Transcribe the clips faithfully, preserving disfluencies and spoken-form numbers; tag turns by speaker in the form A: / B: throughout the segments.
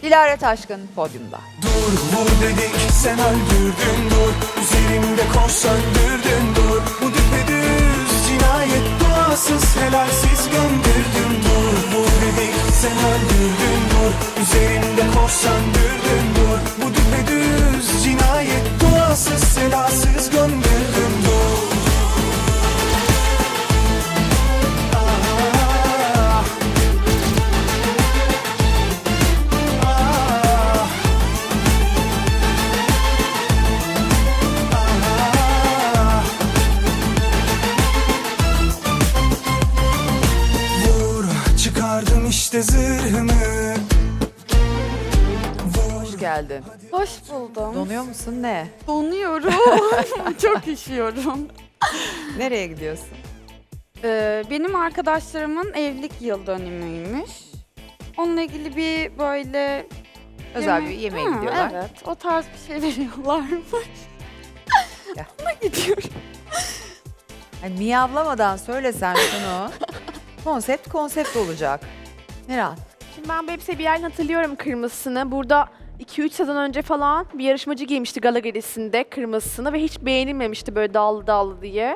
A: Dilara Taşkın podyumda.
B: Dur vur dedik sen öldürdün dur. Üzerimde kor söndürdün dur. Bu düpedüz cinayet duasız helalsiz gömdürdün dur. Vur dedik sen öldürdün dur. Üzerimde kor söndürdün dur. Bu düpedüz cinayet duasız helalsiz gömdürdün dur. Çıkardım işte zırhımı.
A: Hoş geldin.
C: Hoş buldum.
A: Donuyor musun ne?
C: Donuyorum. Çok üşüyorum.
A: Nereye gidiyorsun?
C: Ee, benim arkadaşlarımın evlilik yıl dönümüymüş. Onunla ilgili bir böyle...
A: Özel
C: yemek-
A: bir yemeğe
C: Ha,
A: gidiyorlar.
C: Evet, o tarz bir şey veriyorlarmış.
A: Gel.
C: Ona gidiyorum.
A: Hani miyavlamadan söylesen şunu. Konsept konsept olacak. Meral.
D: Şimdi ben bu elbiseyi bir yerden hatırlıyorum kırmızısını. Burada iki üç sezon önce falan bir yarışmacı giymişti gala gecesinde kırmızısını ve hiç beğenilmemişti böyle dallı dallı diye.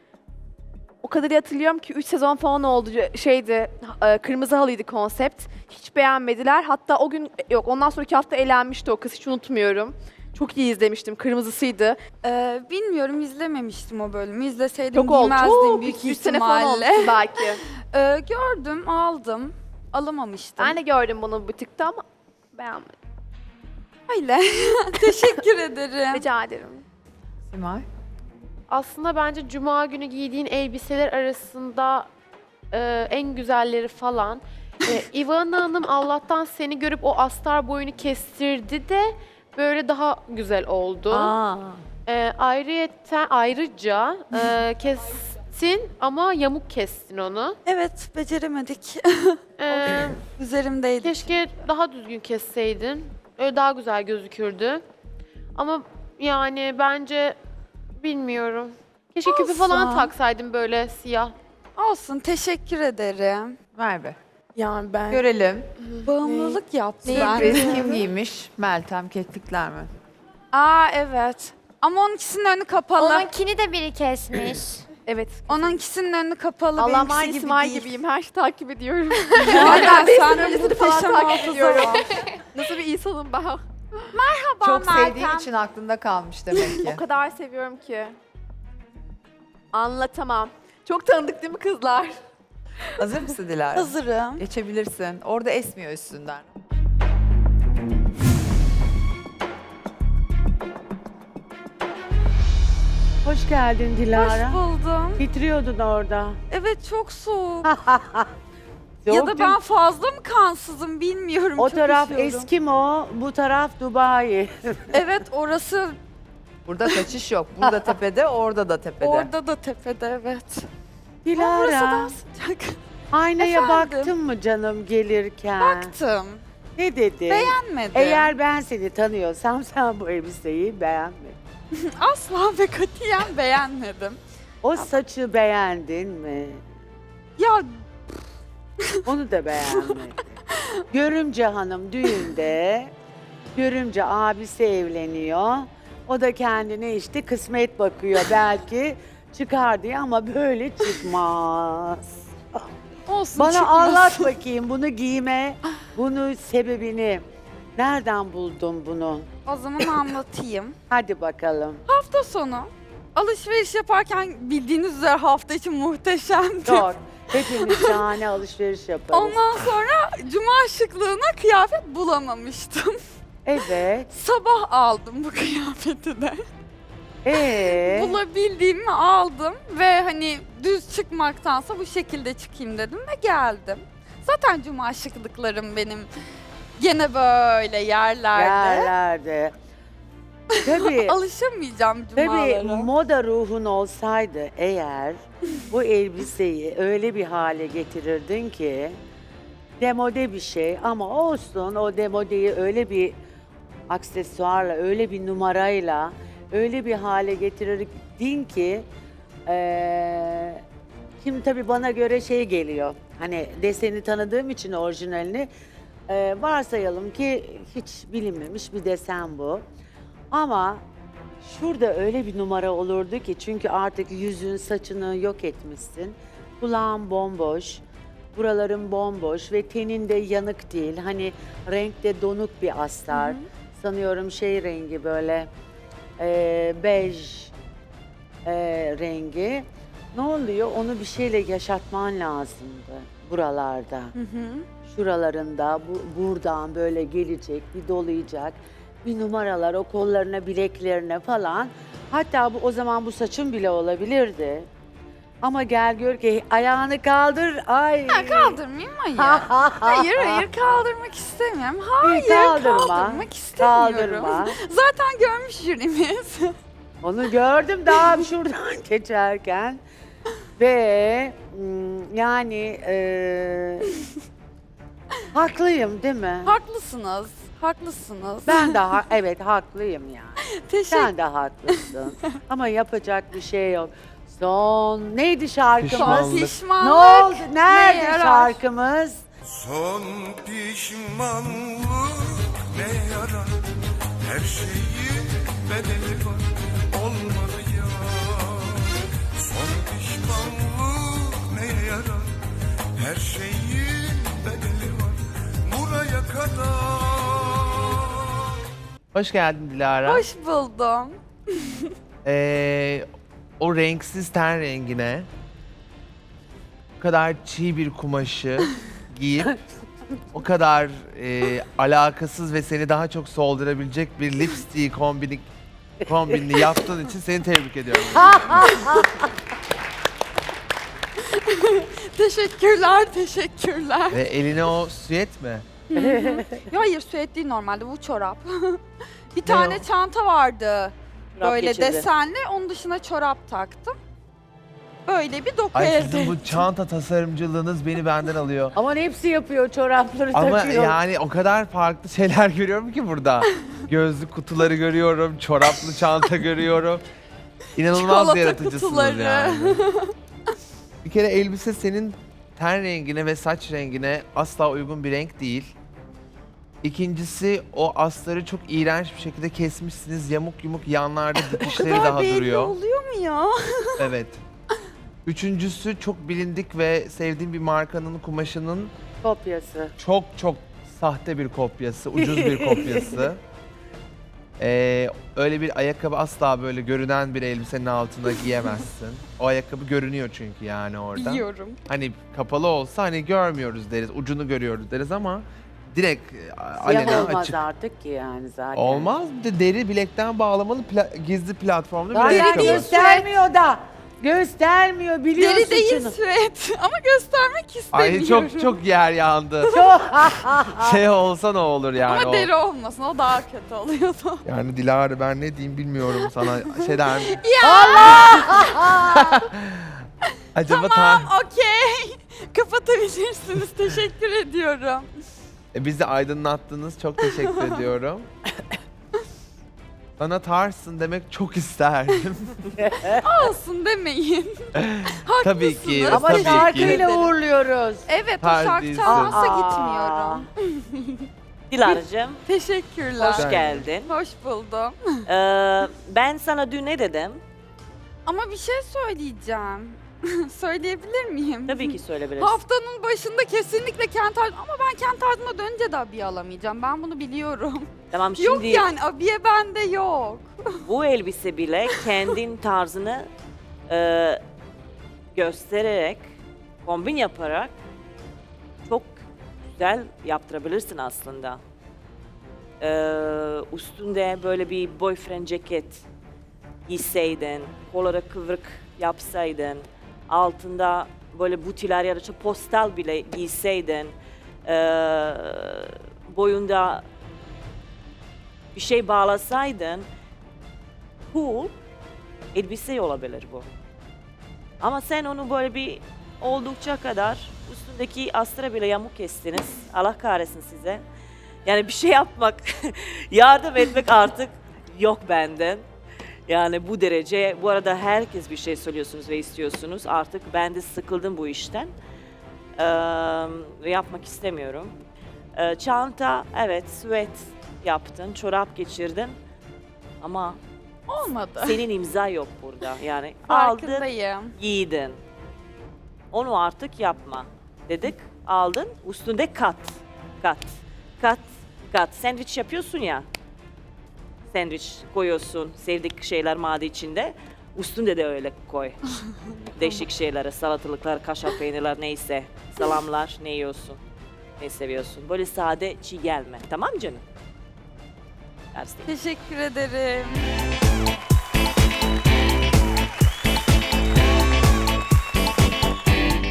D: O kadar iyi hatırlıyorum ki üç sezon falan oldu şeydi e, kırmızı halıydı konsept. Hiç beğenmediler. Hatta o gün yok ondan sonraki hafta elenmişti o kız hiç unutmuyorum. Çok iyi izlemiştim. Kırmızısıydı.
C: Ee, bilmiyorum, izlememiştim o bölümü. İzleseydim
D: Çok oldu.
C: giymezdim
D: Çok
C: büyük
D: üç sene falan olmuştu
C: ihtimalle.
D: belki.
C: Ee, gördüm, aldım. Alamamıştım.
D: Ben de gördüm bunu butikte ama beğenmedim.
C: Öyle. Teşekkür ederim.
D: Rica ederim.
A: Simay.
E: Aslında bence cuma günü giydiğin elbiseler arasında e, en güzelleri falan. E, Ivana Hanım Allah'tan seni görüp o astar boyunu kestirdi de böyle daha güzel oldu.
A: Aa.
E: E, ayrıyeten, ayrıca e, kestin ama yamuk kestin onu.
C: Evet, beceremedik.
E: E,
C: Üzerimdeydi.
E: keşke daha düzgün kesseydin. Öyle daha güzel gözükürdü. Ama yani bence bilmiyorum. Keşke küpe falan
C: Olsun.
E: taksaydın böyle siyah.
C: Olsun, teşekkür ederim.
A: Merve.
D: Yani ben
A: Görelim.
C: Bağımlılık yaptı
A: Sürpriz
C: bende.
A: kim giymiş? Meltem Keklikler mi?
C: Aa evet. Ama onunkisinin önü kapalı.
F: Onunkini de biri kesmiş.
D: evet.
C: Onunkisinin önü kapalı.
D: Allah
C: benimkisi
D: aynı
C: gibi
D: Simay
C: değil.
D: gibiyim. Her şeyi takip ediyorum.
C: Aynen,
D: Ben
C: sen
D: de
C: de
D: öncesini falan
C: muhteşem
D: takip
C: hafıza
D: ediyorum.
C: var.
D: Nasıl bir insanım ben?
A: Çok
F: Meltem.
A: sevdiğin için aklında kalmış demek ki.
D: O kadar seviyorum ki. Anlatamam. Çok tanıdık değil mi kızlar?
A: Hazır mısın Dilara?
C: Hazırım.
A: Geçebilirsin. Orada esmiyor üstünden.
G: Hoş geldin Dilara.
C: Hoş buldum.
G: Titriyordun orada.
C: Evet, çok soğuk.
G: Soğuk
C: Ya da ben
G: çünkü
C: fazla mı kansızım bilmiyorum.
G: o
C: çok
G: taraf
C: üşüyorum.
G: Eskimo, bu taraf Dubai.
C: Evet, orası
A: Burada kaçış yok. Burada tepede, orada da tepede.
C: orada da tepede, evet. Burası
G: Dilara,
C: daha sıcak.
G: aynaya
C: Efendim?
G: baktın mı canım gelirken?
C: Baktım.
G: Ne dedi?
C: Beğenmedim.
G: Eğer ben seni tanıyorsam sen bu elbiseyi beğenmedin.
C: Asla ve katiyen beğenmedim.
G: O saçı beğendin mi?
C: Ya
G: Onu da beğenmedim. Görümce hanım düğünde, görümce abisi evleniyor. O da kendine işte kısmet bakıyor belki çıkar diye ama böyle çıkmaz.
C: olsun,
G: Bana
C: çıkmasın.
G: anlat bakayım bunu giyme, bunu sebebini. Nereden buldun bunu?
C: O zaman anlatayım.
G: Hadi bakalım.
C: Hafta sonu alışveriş yaparken bildiğiniz üzere hafta için muhteşemdi.
G: Doğru. Hepimiz şahane alışveriş yaparız.
C: Ondan sonra cuma şıklığına kıyafet bulamamıştım.
G: Evet.
C: Sabah aldım bu kıyafeti de.
G: Ee,
C: Bulabildiğimi aldım ve hani düz çıkmaktansa bu şekilde çıkayım dedim ve geldim. Zaten cuma şıklıklarım benim gene böyle yerlerde.
G: yerlerde. Tabii.
C: Alışamayacağım
G: Tabii
C: cumalara.
G: moda ruhun olsaydı eğer bu elbiseyi öyle bir hale getirirdin ki demode bir şey ama olsun o demodeyi öyle bir aksesuarla, öyle bir numarayla öyle bir hale getirirdin ki eee şimdi tabii bana göre şey geliyor. Hani deseni tanıdığım için orijinalini Ee, varsayalım ki hiç bilinmemiş bir desen bu. Ama şurada öyle bir numara olurdu ki çünkü artık yüzün saçını yok etmişsin. Kulağın bomboş, buraların bomboş ve tenin de yanık değil. Hani renkte donuk bir astar. Sanıyorum şey rengi böyle e, bej e, rengi. Ne oluyor? Onu bir şeyle yaşatman lazımdı buralarda. Şuralarında bu, buradan böyle gelecek, bir dolayacak. Bir numaralar o kollarına, bileklerine falan. Hatta bu o zaman bu saçın bile olabilirdi. Ama gel gör ki ayağını kaldır. Ay.
C: Ha, kaldırmayayım hayır. hayır hayır kaldırmak istemiyorum. Hayır
G: kaldırma,
C: kaldırmak istemiyorum.
G: kaldırma.
C: Zaten görmüş jürimiz.
G: Onu gördüm daha şuradan geçerken. Ve mm, yani e, haklıyım değil mi?
C: Haklısınız. Haklısınız.
G: Ben de ha- evet haklıyım yani.
C: Teşekkür
G: Sen de haklısın. Ama yapacak bir şey yok. Son neydi şarkımız?
H: Pişmanlık.
C: Pişmanlık.
G: Ne oldu? Nerede
C: neye yarar?
G: şarkımız?
B: Son pişmanlık ne yarar? Her şeyin bedeli var. Olmadı ya. Son pişmanlık neye yarar? Her şeyin bedeli var. Buraya kadar.
H: Hoş geldin Dilara.
C: Hoş buldum.
H: Ee, o renksiz ten rengine o kadar çiğ bir kumaşı giyip o kadar e, alakasız ve seni daha çok soldurabilecek bir lipstick kombini, kombinini yaptığın için seni tebrik ediyorum.
C: Teşekkürler, teşekkürler.
H: Ve eline o süet mi?
C: Ya hayır süet değil normalde bu çorap. Bir tane çanta vardı. Böyle
G: geçirdi.
C: desenli. Onun dışına çorap taktım. Böyle bir doku
H: Ay
C: elde
H: sizin bu
C: ettim.
H: çanta tasarımcılığınız beni benden alıyor.
G: Aman hepsi yapıyor çorapları
H: Ama
G: takıyor.
H: yani o kadar farklı şeyler görüyorum ki burada. Gözlük kutuları görüyorum, çoraplı çanta görüyorum. İnanılmaz
C: Çikolata
H: yaratıcısınız
C: kutuları.
H: yani. Bir kere elbise senin ten rengine ve saç rengine asla uygun bir renk değil. İkincisi o astarı çok iğrenç bir şekilde kesmişsiniz. Yamuk yumuk yanlarda dikişleri
C: Kadar
H: daha
C: belli
H: duruyor.
C: oluyor mu ya?
H: Evet. Üçüncüsü çok bilindik ve sevdiğim bir markanın kumaşının
G: Kopyası.
H: çok çok sahte bir kopyası, ucuz bir kopyası. Ee, öyle bir ayakkabı asla böyle görünen bir elbisenin altına giyemezsin. O ayakkabı görünüyor çünkü yani orada.
C: Biliyorum.
H: Hani kapalı olsa hani görmüyoruz deriz, ucunu görüyoruz deriz ama direkt e,
G: Siyah
H: alenen
G: olmaz
H: açık.
G: artık ki yani zaten.
H: Olmaz. Bir de deri bilekten bağlamalı pla- gizli platformlu bir
G: Zaten
H: ayakkabı.
G: göstermiyor da. Göstermiyor biliyor
C: Deri değil
G: suçunu.
C: süet ama göstermek istemiyorum.
H: Ay çok çok yer yandı. Şey olsa ne olur yani
C: Ama
H: o.
C: deri olmasın o daha kötü oluyordu.
H: Yani Dilara ben ne diyeyim bilmiyorum sana şey der mi? Acaba
C: Tamam
H: ta-
C: okey. Kapatabilirsiniz. Teşekkür ediyorum.
H: E, bizi aydınlattınız çok teşekkür ediyorum. Sana tarsın demek çok isterdim.
C: Olsun demeyin.
H: Tabii ki.
C: Haklısınız.
G: Ama
H: tabii ki.
G: şarkıyla uğurluyoruz.
C: Evet o
H: Tarz
C: şarkı
H: değilsin.
C: çalmasa
G: Aa.
C: gitmiyorum.
I: Dilara'cığım,
C: Teşekkürler.
I: hoş geldin.
C: Hoş buldum.
I: Ee, ben sana dün ne dedim?
C: Ama bir şey söyleyeceğim. Söyleyebilir miyim?
I: Tabii ki söyleyebilirsin.
C: Haftanın başında kesinlikle kent tarzı ama ben kent tarzıma dönünce de abiye alamayacağım. Ben bunu biliyorum.
I: Tamam
C: Yok
I: şimdi
C: yani abiye bende yok.
I: bu elbise bile kendin tarzını e, göstererek, kombin yaparak çok güzel yaptırabilirsin aslında. Ee, üstünde böyle bir boyfriend ceket giyseydin, kolları kıvrık yapsaydın, altında böyle butiler ya da işte postal bile giyseydin, ee, boyunda bir şey bağlasaydın, cool elbise olabilir bu. Ama sen onu böyle bir oldukça kadar üstündeki astra bile yamuk kestiniz. Allah kahretsin size. Yani bir şey yapmak, yardım etmek artık yok benden. Yani bu derece, bu arada herkes bir şey söylüyorsunuz ve istiyorsunuz. Artık ben de sıkıldım bu işten. Ee, ve yapmak istemiyorum. Ee, çanta, evet, süet yaptın, çorap geçirdin. Ama
C: Olmadı.
I: senin imza yok burada. Yani aldın,
C: Farkındayım.
I: giydin. Onu artık yapma. Dedik, aldın, üstünde kat. Kat, kat, kat. Sandviç yapıyorsun ya. Sandviç koyuyorsun, sevdik şeyler madi içinde. Üstünde de öyle koy. Değişik şeyleri, salatalıklar, kaşar peynirler neyse. Salamlar, ne yiyorsun, ne seviyorsun. Böyle sade, çiğ gelme. Tamam canım? Ders değil.
C: Teşekkür ederim.